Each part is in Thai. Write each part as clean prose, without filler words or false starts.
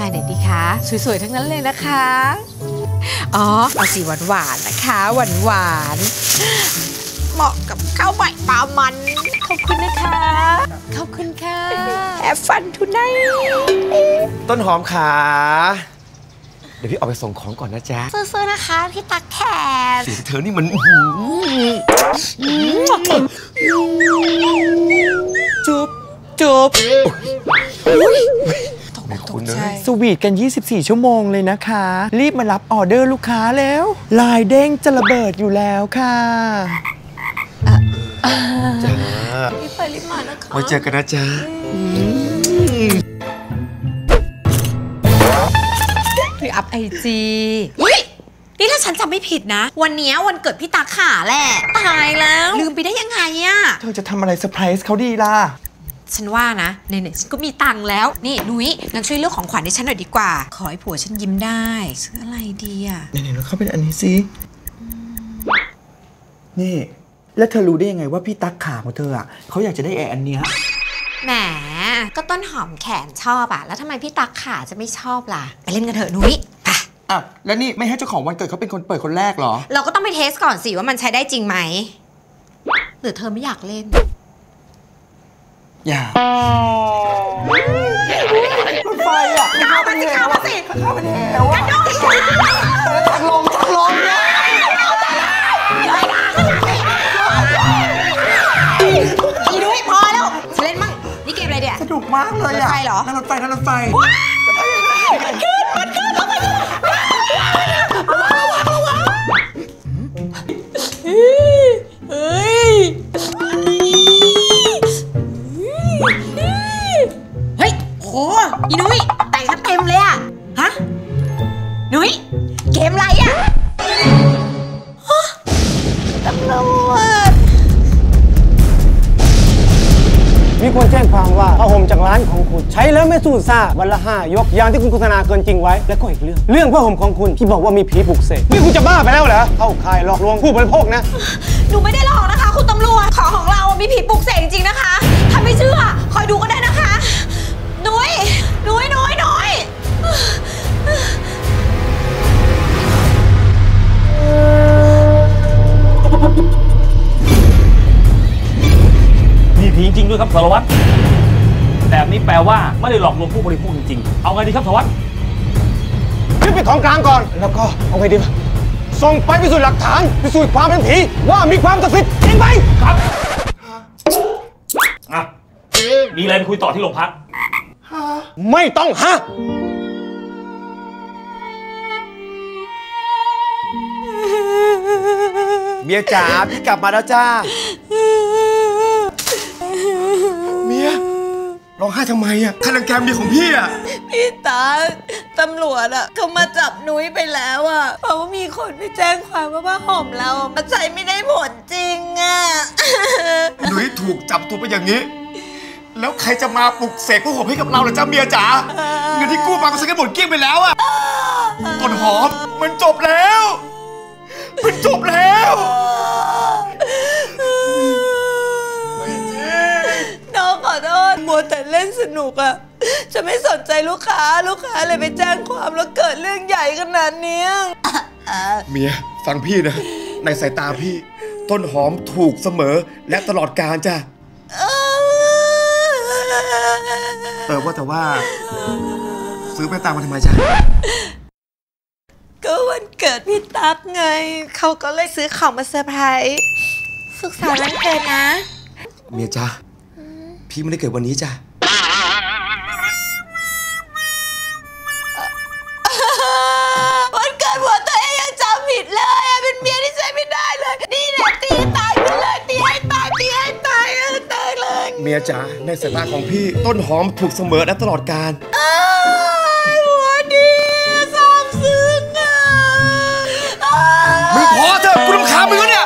ลายไหนดีคะสวยๆทั้งนั้นเลยนะคะอ๋อเอาสีหวานๆนะคะหวานๆเหมาะกับข้าวใหม่ปลามันขอบคุณนะคะขอบคุณค่ะแอบฟันทุนไนต้นหอมขาเดี๋ยวพี่ออกไปส่งของก่อนนะจ๊ะซื้อๆนะคะพี่ตั๊กแขกเสียงเธอนี่มันจุบตกใจสวีทกัน24ชั่วโมงเลยนะคะรีบมารับออเดอร์ลูกค้าแล้วลายเด้งจะระเบิดอยู่แล้วค่ะจ้ารีบไปรีบมานะคะไว้เจอกันนะจ๊ะคืออัพIGนี่ถ้าฉันจำไม่ผิดนะวันนี้วันเกิดพี่ตั๊กขาแหละตายแล้วลืมไปได้ยังไงอะเธอจะทำอะไรเซอร์ไพรส์เขาดีล่ะฉันว่านะไหนๆฉันก็มีตังค์แล้วนี่นุ้ยงั้นช่วยเลือกของขวัญให้ฉันหน่อยดีกว่าขอให้ผัวฉันยิ้มได้ซื้ออะไรดีอะไหนๆเราเข้าไปอันนี้สินี่แล้วเธอรู้ได้ยังไงว่าพี่ตั๊กขาของเธออ่ะเขาอยากจะได้อันเนี้ยแหมก็ต้นหอมแขนชอบอะแล้วทำไมพี่ตั๊กขาจะไม่ชอบล่ะไปเล่นกันเถอะนุ้ยไปอ่ะแล้วนี่ไม่ให้เจ้าของวันเกิดเขาเป็นคนเปิดคนแรกหรอเราก็ต้องไปเทสก่อนสิว่ามันใช้ได้จริงไหมหรือเธอไม่อยากเล่นอย่ารถไฟอ่ะเข้ามาสิเข้ามาสิเข้ามาดิกระโดดทางลงเนี่ยอีนุ้ยพอแล้วเล่นมั่งนี่เกมอะไรเดี๋ยสนุกมากเลยอ่ะรถไฟเหรอนั่งรถไฟมันขึ้นเฮ้ยโหอีนุ้ยแต่งกันเต็มเลยอะฮะนุ้ยเกมอะไรอะตำรวจมีคนแจ้งความว่าผ้าห่มจากร้านของคุณใช้แล้วไม่สูญซ่าวันละ5 ยกอย่างที่คุณโฆษณาเกินจริงไว้และก็อีกเรื่องผ้าห่มของคุณที่บอกว่ามีผีปลุกเสกนี่คุณจะบ้าไปแล้วเหรอเข้าข่ายหลอกลวงผู้บริโภคนะหนูไม่ได้หลอกนะคะคุณตำรวจของเรามีผีปลุกเสกจริงๆนะคะถ้าไม่เชื่อคอยดูก็ได้นะคะนุ้ยมีผีจริงด้วยครับสารวัตรแบบนี้แปลว่าไม่ได้หลอกลวงผู้บริโภคจริงๆเอาไงดีครับสารวัตรยึดเป็นของกลางก่อนแล้วก็เอาไงดีส่งไปพิสูจน์หลักฐานพิสูจน์ความเป็นผีว่ามีความศักดิ์สิทธิ์จริงไหมครับมีอะไรไปคุยต่อที่โรงพักไม่ต้องฮะเมียจ๋าพี่กลับมาแล้วจ้าเมียร้องไห้ทำไมอ่ะใครรังแกเมียของพี่อ่ะพี่ตาตำรวจอ่ะเขามาจับนุ้ยไปแล้วอ่ะเพราะว่ามีคนไปแจ้งความว่าผ้าห่มเรามันใช้ไม่ได้ผลจริงอ่ะนุ้ยถูกจับตัวไปอย่างนี้แล้วใครจะมาปลุกเสกผ้าห่มให้กับเราล่ะจ้าเมียจ๋าเงินที่กู้มาก็ซื้อกันหมดเกลี้ยงไปแล้วอ่ะต้นหอมมันจบแล้วน้องขอโทษมัวแต่เล่นสนุกอะจะไม่สนใจลูกค้าเลยไปแจ้งความแล้วเกิดเรื่องใหญ่ขนาดนี้เมียฟังพี่นะในสายตาพี่ต้นหอมถูกเสมอและตลอดกาลจ้ะว่าแต่ว่าซื้อไปตามมาทำไมจ๊ะก็วันเกิดพี่ตั๊กไงเขาก็เลยซื้อของมาเซอร์ไพรส์สุขสันต์วันเกิดนะเมียจ้ะพี่ไม่ได้เกิดวันนี้จ้ะวันเกิดหัวตัวเองยังจำผิดเลยเป็นเมียที่ใช้ไม่ได้เลยนี่แหละตีตายไปเลยตีให้ตายเลยเมียจ๋าในสายตาของพี่ต้นหอมถูกเสมอและตลอดกาลหัวดีซาบซึ้งมึงพอเถอะกูรำคาญมึงแล้วเนี่ย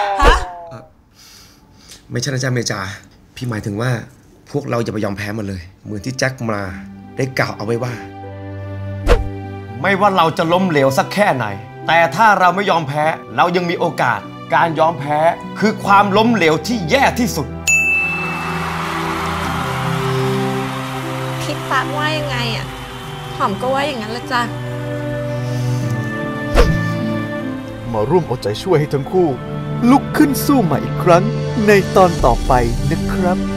ไม่ใช่นะจ๊ะเมียจ๋าพี่หมายถึงว่าพวกเราอย่าไปยอมแพ้มันเลยเหมือนที่แจ็คมาได้กล่าวเอาไว้ว่าไม่ว่าเราจะล้มเหลวสักแค่ไหนแต่ถ้าเราไม่ยอมแพ้เรายังมีโอกาสการยอมแพ้คือความล้มเหลวที่แย่ที่สุดพี่ตั๊กว่ายังไงอะหอมก็ว่าอย่างนั้นละจ้ะมาร่วมเอาใจช่วยให้ทั้งคู่ลุกขึ้นสู้ใหม่อีกครั้งในตอนต่อไปนะครับ